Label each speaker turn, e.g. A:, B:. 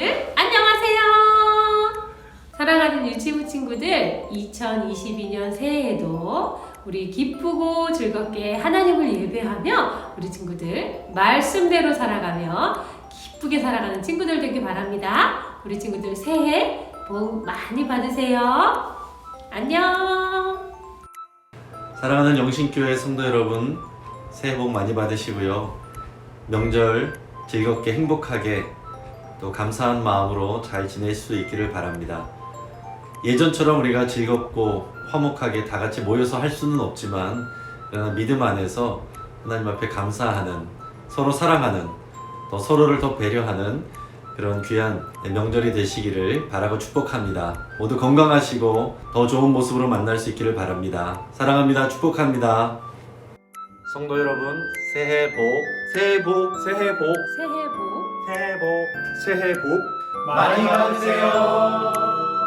A: 친구들 안녕하세요. 사랑하는 유치부 친구들, 2022년 새해에도 우리 기쁘고 즐겁게 하나님을 예배하며 우리 친구들 말씀대로 살아가며 기쁘게 살아가는 친구들 되길 바랍니다. 우리 친구들 새해 복 많이 받으세요. 안녕.
B: 사랑하는 영신교회 성도 여러분, 새해 복 많이 받으시고요. 명절 즐겁게 행복하게 또 감사한 마음으로 잘 지낼 수 있기를 바랍니다. 예전처럼 우리가 즐겁고 화목하게 다 같이 모여서 할 수는 없지만, 그러나 믿음 안에서 하나님 앞에 감사하는, 서로 사랑하는, 또 서로를 더 배려하는 그런 귀한 명절이 되시기를 바라고 축복합니다. 모두 건강하시고 더 좋은 모습으로 만날 수 있기를 바랍니다. 사랑합니다. 축복합니다. 성도 여러분, 새해 복, 새해 복, 새해 복,
A: 새해 복
C: 새해 복
B: 새해 복
C: 많이 받으세요.